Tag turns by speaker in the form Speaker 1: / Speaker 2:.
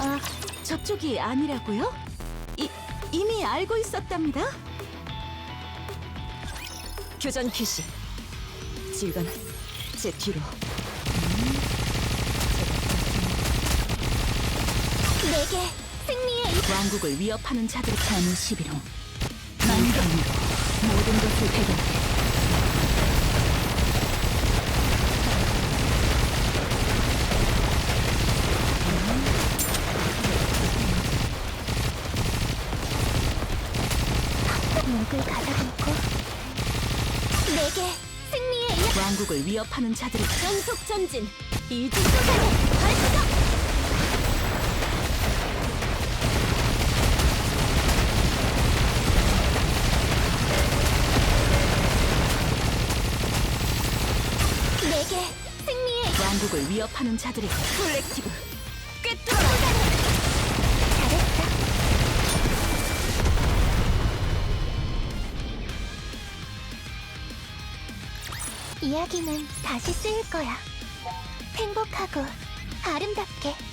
Speaker 1: 아, 저쪽이 아니라고요? 이미 알고 있었답니다.
Speaker 2: 교전 개시. 지휘관, 제 뒤로.
Speaker 1: 내게 승리의 왕국을 위협하는 자들 가는 11호 만경으로 모든 것을 배경해. 목을 가다듬고 내게 승리의 왕국을 위협하는 자들이 전속 전진 이중소산의 발사. 내게 승리의 왕국을 위협하는 자들이 콜렉티브 꿰뚫어라. 잘했어. 이야기는 다시 쓰일 거야. 행복하고 아름답게.